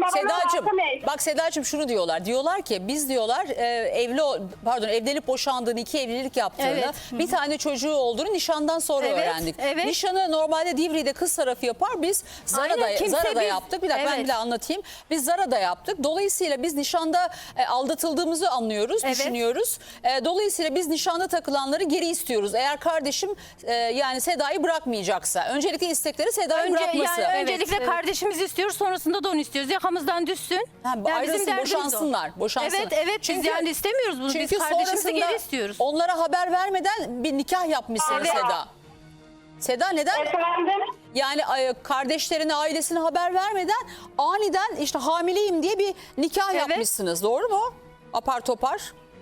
Sedacığım, hakkı ne? bak Sedacığım şunu diyorlar. Diyorlar ki biz diyorlar evlenip boşandığını, 2 evlilik yaptığını, Evet. bir tane çocuğu olduğunu nişandan sonra Evet, öğrendik. evet. Nişanı normalde Divri'de kız tarafı yapar. Biz Aynen, kimse Zara'da biz- yaptık. Bir dakika ben Evet. bir de anlatayım. Biz Zara'da yaptık. Dolayısıyla biz nişanda aldatıldığımızı anlıyoruz, Evet. düşünüyoruz. Dolayısıyla biz nişanda takılanları geri istiyoruz. Eğer kardeşim yani Seda'yı bırakmayacaksa. Öncelikle istekleri Seda'yı bırakması. Yani Evet. öncelikle kardeşimizi istiyoruz, sonrasında da onu istiyoruz. Yakamızdan düşsün. Ayrılsın, derdimiz o. boşansınlar. Evet, evet. Biz yani istemiyoruz bunu. Biz Çünkü kardeşimizi sonrasında geri istiyoruz. onlara haber vermeden bir nikah yapmışsın Evet. Seda. Seda neden? Efendim? Yani kardeşlerine, ailesine haber vermeden aniden işte hamileyim diye bir nikah Evet. yapmışsınız. Doğru mu? Apar topar.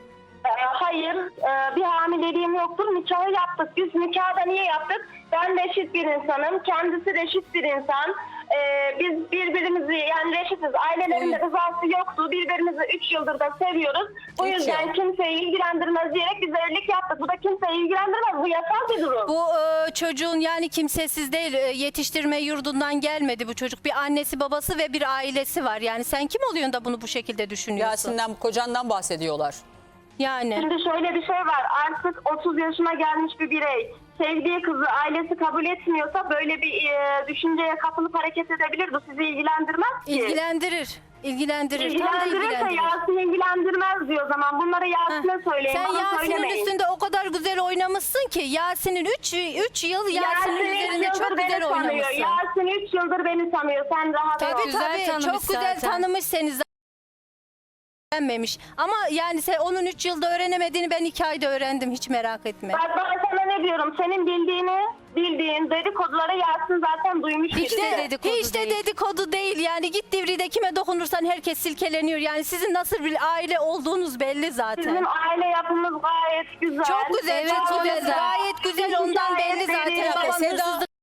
Hayır, bir hamileliğim yoktur. Nikahı yaptık. Biz nikahı da niye yaptık? Ben reşit bir insanım. Kendisi reşit bir insan. Biz birbirimizi yani reşitiz. Ailelerinde rızası yoktu. Birbirimizi 3 yıldır da seviyoruz. Bu 3 yüzden yıl. kimseyi ilgilendirmez diyerek biz evlilik yaptık. Bu da kimseyi ilgilendirmez. Bu yasal bir durum. Bu çocuğun yani kimsesiz değil, yetiştirme yurdundan gelmedi bu çocuk. Bir annesi, babası ve bir ailesi var. Yani sen kim oluyorsun da bunu bu şekilde düşünüyorsun? Yasin'den, kocandan bahsediyorlar. Yani. Şimdi şöyle bir şey var. Artık 30 yaşına gelmiş bir birey. Sevdiği kızı ailesi kabul etmiyorsa böyle bir düşünceye kapılıp hareket edebilir. Bu sizi ilgilendirmez ki. İlgilendirir. İlgilendirir. Tam da İlgilendirirse ilgilendirir. Yasin ilgilendirmez diyor o zaman. Bunları Yasin'e söyleyin. Sen bana Yasin'in söylemeyin. üstünde o kadar güzel oynamışsın ki Yasin'in 3 yıl Yasin'in Yasin 3 üzerinde yıldır çok beni güzel tanıyor. oynamışsın. Yasin 3 yıldır beni tanıyor. Sen rahat ol. Tabii Güzel tabii tanımış çok güzel zaten. tanımış seni zaten. Öğrenmemiş. Ama yani sen onun 3 yılda öğrenemediğini ben 2 ayda öğrendim, hiç merak etme. Bak ben sana ne diyorum? Senin bildiğin dedikoduları Yasin zaten duymuş Hiç birisi. de, dedikodu hiç de değil. dedikodu değil yani, git Divri'de kime dokunursan herkes silkeleniyor. Yani sizin nasıl bir aile olduğunuz belli zaten. Bizim aile yapımız gayet güzel. Çok güzel, Evet, çok çok güzel, güzel. gayet güzel, Hiç ondan hikaye belli zaten. değil. Baban Seda- hırsızlık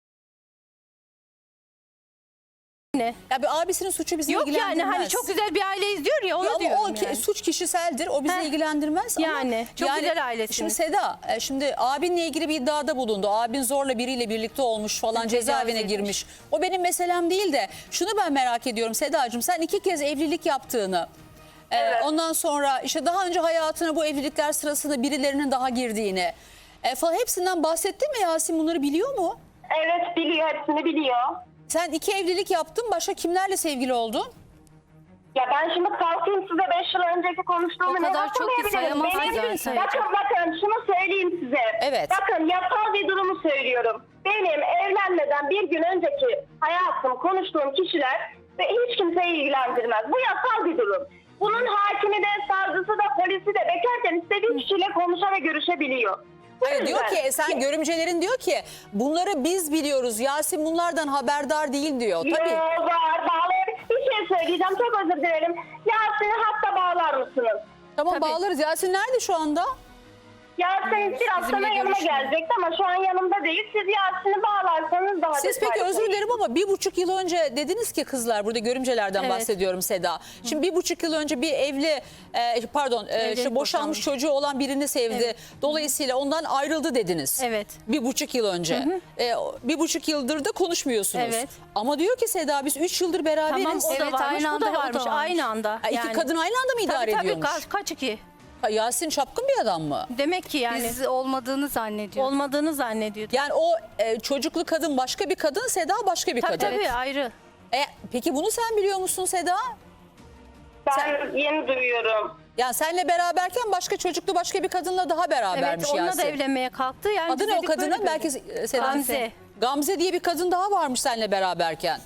ne? Ya bir abisinin suçu bizi Yok ilgilendirmez. yani hani çok güzel bir aileyiz diyor ya, onu Ya ama diyorum o yani. suç kişiseldir. O bizi Heh. ilgilendirmez. Yani, çok güzel ailesiniz. Şimdi Seda, şimdi abinle ilgili bir iddiada bulundu. Abin zorla biriyle birlikte olmuş falan, cezaevine edilmiş. girmiş. O benim meselem değil de şunu ben merak ediyorum Sedacığım. Sen 2 kez evlilik yaptığını, Evet. ondan sonra işte daha önce hayatına bu evlilikler sırasında birilerinin daha girdiğini falan hepsinden bahsettin mi Yasin? Bunları biliyor mu? Evet biliyor, hepsini biliyor. Sen 2 evlilik yaptın. Başka kimlerle sevgili oldun? Ya ben şimdi kalkayım size 5 yıl önceki konuştuğumu O ne kadar çok ki hatırlayabilirim? sayamazsın zaten. Bakın şunu söyleyeyim size. Evet. Bakın yasal bir durumu söylüyorum. Benim evlenmeden bir gün önceki hayatım, konuştuğum kişiler ve hiç kimseyi ilgilendirmez. Bu yasal bir durum. Bunun hakimi de, savcısı da, polisi de bekarken istediği kişiyle konuşa ve görüşebiliyor. Bu Hayır, diyor yüzden- ki sen görümcelerin diyor ki bunları biz biliyoruz. Yasin bunlardan haberdar değil diyor. Tabii. Yo, var bağlayabilir. Bir şey söyleyeceğim, çok özür dilerim. Yasin'i hatta bağlar mısınız? Tamam Tabii. bağlarız. Yasin nerede şu anda? Yasin biraz sonra yanıma görüşmüyor. gelecekti ama şu an yanımda değil. Siz Yasin'i bağlarsanız daha Siz peki detaylı özür dilerim ama 1,5 yıl önce dediniz ki kızlar, burada görümcelerden Evet. bahsediyorum Seda. Şimdi 1,5 yıl önce bir evli işte boşanmış çocuğu olan birini sevdi. Evet. Dolayısıyla ondan ayrıldı dediniz. Evet. 1,5 yıl önce. 1,5 yıldır da konuşmuyorsunuz. Evet. Ama diyor ki Seda biz 3 yıldır beraberiz. Tamam, o da Evet, varmış, aynı bu anda, da o da varmış. varmış. Aynı anda. Ha, İki kadın aynı anda mı idare tabii, ediyormuş? kaç iki? Ha, Yasin çapkın bir adam mı? Demek ki yani Biz olmadığını zannediyor. olmadığını zannediyordu. Yani o çocuklu kadın başka bir kadın, Seda başka bir Tabii kadın. tabii ayrı. Peki bunu sen biliyor musun Seda? Ben yeni duyuyorum. Yani senle beraberken başka çocuklu başka bir kadınla daha berabermiş Evet, onunla Yasin. da evlenmeye kalktı. Yani Adı biz ne o dedik kadının? böyle Belki Seda. Gamze. Gamze diye bir kadın daha varmış seninle beraberken.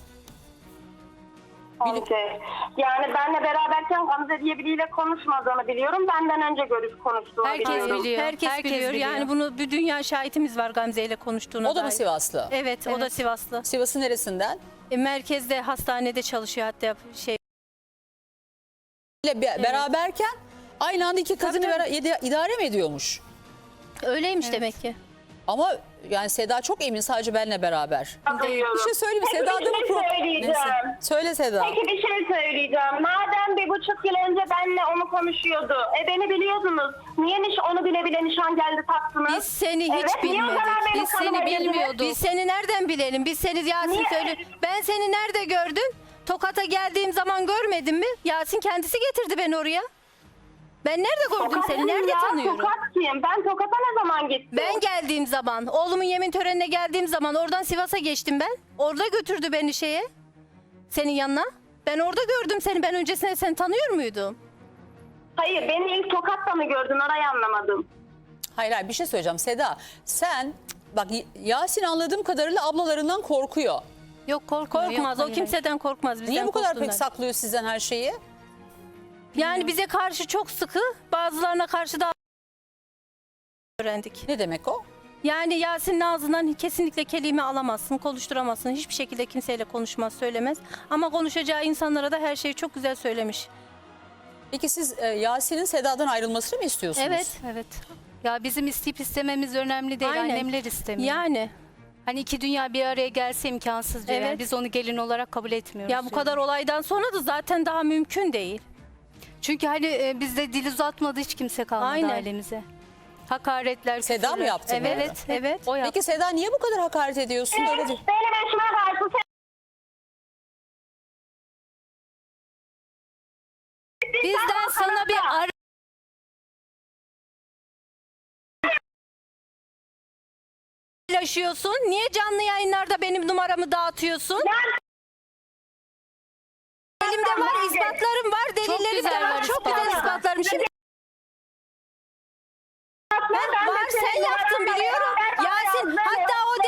Gamze. Yani benle beraberken Gamze diye biriyle konuşmadığını biliyorum. Benden önce konuştuğunu Herkes biliyorum. biliyor. Herkes biliyor. Yani bunu bir dünya şahitimiz var Gamze ile konuştuğuna O da mı dair. Sivaslı? Evet, o da Sivaslı. Sivas'ın neresinden? Merkezde, hastanede çalışıyor hatta Beraberken aynı anda iki kadını Tabii, idare mi ediyormuş? öyleymiş demek ki. Ama yani Seda çok emin sadece benle beraber. Duyuyorum. Bir şey söyleyeyim mi? Peki Seda'da bir şey söyleyeceğim. Söyle Seda. Peki bir şey söyleyeceğim. Madem 1,5 yıl önce benle onu konuşuyordu. Beni biliyordunuz. Niye onu bile bile nişan geldi taktınız? Biz seni hiç Evet, niye o bilmedik. zaman benim Biz seni kanıma girdiniz? bilmiyorduk. Biz seni nereden bilelim? Biz seni Yasin Niye? söyle. Ben seni nerede gördüm? Tokat'a geldiğim zaman görmedin mi? Yasin kendisi getirdi beni oraya. Ben nerede gördüm Tokat seni? kim Nerede ya? tanıyorum? Tokat kim? Ben Tokat'a ne zaman gittim? Ben geldiğim zaman, oğlumun yemin törenine geldiğim zaman oradan Sivas'a geçtim ben. Orada götürdü beni şeye. Senin yanına. Ben orada gördüm seni. Ben öncesinde seni tanıyor muydum? Hayır, beni ilk Tokat'ta mı gördün? Orayı anlamadım. Hayır bir şey söyleyeceğim Seda. Sen bak Yasin anladığım kadarıyla ablalarından korkuyor. Yok korkmaz. Yok, O hayır, kimseden korkmaz. Bizden Niye bu kadar pek korktuğundan. saklıyor sizden her şeyi? Yani bize karşı çok sıkı, bazılarına karşı da öğrendik. Ne demek o? Yani Yasin'in ağzından kesinlikle kelime alamazsın, konuşturamazsın. Hiçbir şekilde kimseyle konuşmaz, söylemez. Ama konuşacağı insanlara da her şeyi çok güzel söylemiş. Peki siz Yasin'in Seda'dan ayrılmasını mı istiyorsunuz? Evet. Evet. Ya bizim isteyip istememiz önemli değil. Aynen. Annemler istemiyor. Yani Hani iki dünya bir araya gelse imkansız diyor. Yani Evet. biz onu gelin olarak kabul etmiyoruz. ya bu diyor. kadar olaydan sonra da zaten daha mümkün değil. Çünkü hani bizde dil uzatmadı hiç kimse kalmadı Aynen. ailemize. Hakaretler, Seda mı küfürler. yaptı bunu? Evet, evet. O yaptı. Peki Seda niye bu kadar hakaret ediyorsun? Öyle değil. Benim eşime karşı Bizden sana bir ara Paylaşıyorsun. Niye canlı yayınlarda benim numaramı dağıtıyorsun? Elimde var, ispatlarım var, delillerim de güzel var. var Çok güzel ispatlar. ispatlarım. Şimdi var, sen yaptın biliyorum. Yasin, hatta o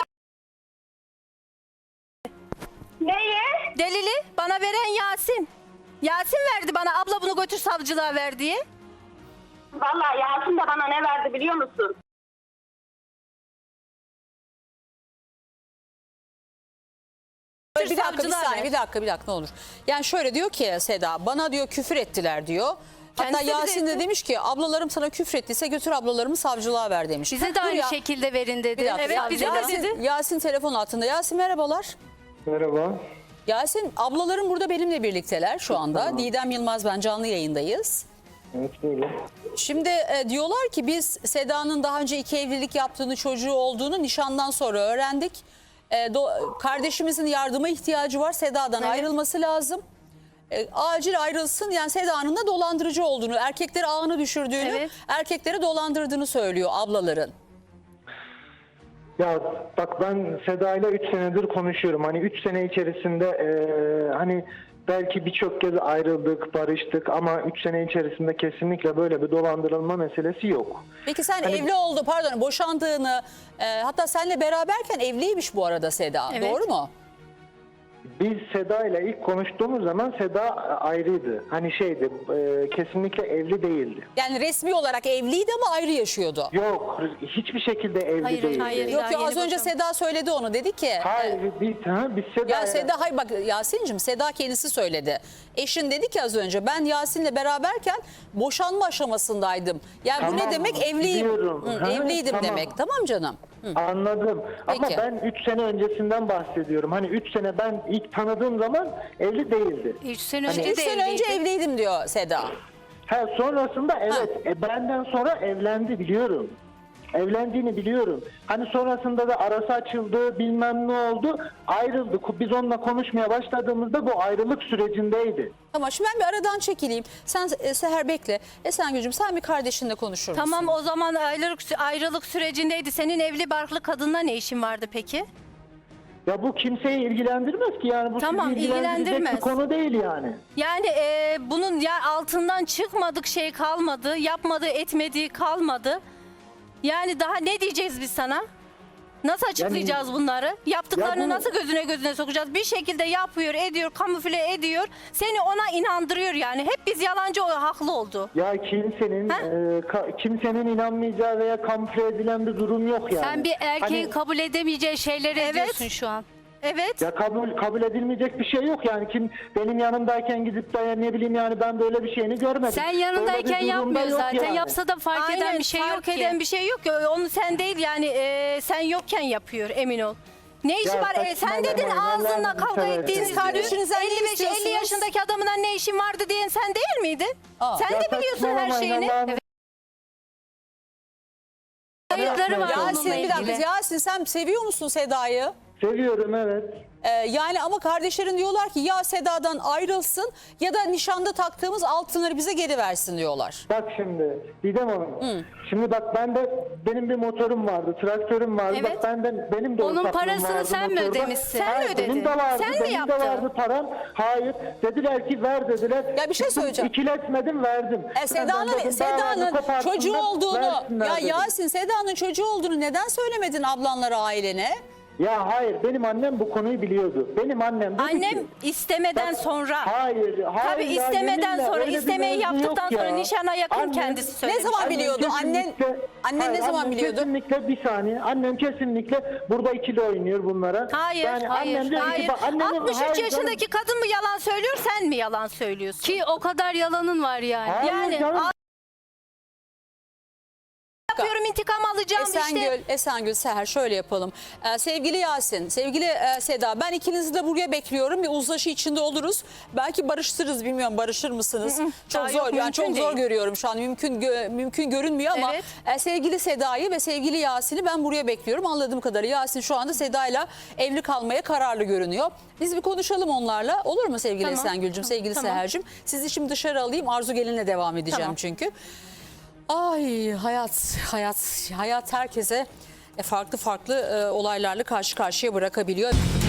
delili bana veren Yasin. Yasin verdi bana, abla bunu götür savcılığa ver diye. Vallahi Yasin de bana ne verdi biliyor musun? Bir dakika bir savcılığa saniye ver. bir dakika ne olur. Yani şöyle diyor ki Seda bana diyor küfür ettiler diyor. Hatta Kendisi de Yasin de etti. demiş ki ablalarım sana küfür ettiyse götür ablalarımı savcılığa ver demiş. bize de Dur aynı ya, şekilde verin dedi. bir dakika. Evet, bize de Yasin, dedi. Yasin telefon altında. Yasin merhabalar. Merhaba. Yasin ablalarım burada benimle birlikteler şu anda. Tamam. Didem Yılmaz ben canlı yayındayız. Evet böyle. Şimdi diyorlar ki biz Seda'nın daha önce 2 evlilik yaptığını, çocuğu olduğunu nişandan sonra öğrendik. Kardeşimizin yardıma ihtiyacı var. Seda'dan ayrılması lazım. Acil ayrılsın. Yani Seda'nın da dolandırıcı olduğunu, erkekleri ağını düşürdüğünü, Evet. erkekleri dolandırdığını söylüyor ablaların. Ya bak ben Seda ile 3 senedir konuşuyorum. Hani 3 sene içerisinde hani belki birçok kez ayrıldık, barıştık ama 3 sene içerisinde kesinlikle böyle bir dolandırılma meselesi yok. Peki sen Hani- evli oldu, pardon boşandığını, hatta seninle beraberken evliymiş bu arada Seda. Evet. Doğru mu? Biz Seda ile ilk konuştuğumuz zaman Seda ayrıydı. Hani şeydi, kesinlikle evli değildi. Yani resmi olarak evliydi ama ayrı yaşıyordu. Yok, hiçbir şekilde evli Hayır, değildi. hayır. Yok Daha ya yeni az önce boşandı. Seda söyledi onu, dedi ki. Hayır, biz Seda Ya Seda hayır bak Yasin'cim Seda kendisi söyledi. Eşin dedi ki az önce ben Yasin'le beraberken boşanma aşamasındaydım. Yani bu Tamam, ne demek evliyim. biliyorum. Hı, Ha, evliydim tamam. demek. Tamam canım. Hı. Anladım. Ama Peki. ben 3 sene öncesinden bahsediyorum. Hani 3 sene ben ilk tanıdığım zaman evli değildi. 3 sene Hani- önce Üç de sene önce evliydi. evliydim diyor Seda. Sonrasında evet benden sonra evlendi biliyorum. Evlendiğini biliyorum. Hani sonrasında da arası açıldı bilmem ne oldu ayrıldık. Biz onunla konuşmaya başladığımızda bu ayrılık sürecindeydi. Tamam şimdi ben bir aradan çekileyim. Sen Seher bekle. Esengül'cüm sen bir kardeşinle konuşur musun? Tamam o zaman ayrılık sürecindeydi. Senin evli barklı kadınla ne işin vardı peki? Ya bu kimseyi ilgilendirmez ki yani bu Tamam, sizi ilgilendirecek ilgilendirmez. bir konu değil yani. Yani bunun ya altından çıkmadık şey kalmadı. Yapmadığı etmediği kalmadı. Yani daha ne diyeceğiz biz sana? Nasıl açıklayacağız bunları? Yaptıklarını Ya bu- nasıl gözüne sokacağız? Bir şekilde yapıyor, ediyor, kamufle ediyor. Seni ona inandırıyor yani. Hep biz yalancı o haklı oldu. Ya kimsenin Ha? kimsenin inanmayacağı veya kamufle edilen bir durum yok yani. Sen bir erkeğin Hani- kabul edemeyeceği şeyleri Evet. ediyorsun şu an. Evet. Ya kabul edilmeyecek bir şey yok yani kim benim yanımdayken gidip de ne bileyim yani ben böyle bir şeyini görmedim. Sen Böyle yanındayken bir durumda yapmıyor yok zaten. yani. Yapsa da fark eden bir şey yok fark ki. eden bir şey yok ki. Onu sen değil yani sen yokken yapıyor emin ol. Ne işi Ya var? Sen saçmalama, dedin ağzınla Allah'ını kavga seversen. ettiğiniz Siz kardeşinizden ne 55-50 istiyorsunuz? yaşındaki adamına ne işin vardı diyen sen değil miydin? Aa. Sen Ya de biliyorsun her saçmalamayın, şeyini. Allah'ını Kayıtları var Yasin onunla bir dakika ilgili. Yasin sen seviyor musun Seda'yı? Seviyorum, evet. Yani ama kardeşlerin diyorlar ki ya Seda'dan ayrılsın ya da nişanda taktığımız altınları bize geri versin diyorlar. Bak şimdi Didem Hanım. Şimdi bak benim bir motorum vardı, traktörüm vardı. Evet. Bak benim de Onun ortaklığım parasını vardı sen mi motorda. ödemişsin? Sen mi Hayır, ödedin? Benim de vardı, Sen mi benim de yaptın? vardı param. Hayır. Dediler ki ver dediler. Ya bir şey Gittim, söyleyeceğim. İkiletmedim, verdim. Seda'nın çocuğu olduğunu ya dedim. Yasin Seda'nın çocuğu olduğunu neden söylemedin ablanlara, ailene? Ya hayır, benim annem bu konuyu biliyordu. Benim annem dedi Annem ki, istemeden sonra. hayır Tabii ya, istemeden yeminle sonra, öyle bir istemeyi mevzu yaptıktan yok sonra ya. nişana yakın Annem- kendisi Ne söylemiş. zaman biliyordu? Annen ne zaman annem biliyordu? Kesinlikle bir saniye. Annem kesinlikle burada ikili oynuyor bunlara. Hayır, Yani hayır, annem diyor ki, hayır. bak, annemin- 63 hayır canım. yaşındaki kadın mı yalan söylüyor, sen mi yalan söylüyorsun? Ki o kadar yalanın var yani. Hayır yani canım. yapıyorum, intikam alacağım işte. Esengül Seher şöyle yapalım. Sevgili Yasin, sevgili Seda, ben ikinizi de buraya bekliyorum. Bir uzlaşı içinde oluruz. Belki barıştırırız, bilmiyorum, barışır mısınız? Çok Daha zor, yok, yani mümkün çok zor değil. görüyorum şu an. Mümkün görünmüyor ama Evet. sevgili Seda'yı ve sevgili Yasin'i ben buraya bekliyorum. Anladığım kadarıyla Yasin şu anda Seda'yla evli kalmaya kararlı görünüyor. Biz bir konuşalım onlarla. Olur mu sevgili Tamam. Esengül'cüm, sevgili Tamam. Seher'cim? Sizi şimdi dışarı alayım. Arzu Gelin'le devam edeceğim Tamam. çünkü. Ay hayat herkese farklı olaylarla karşı karşıya bırakabiliyor.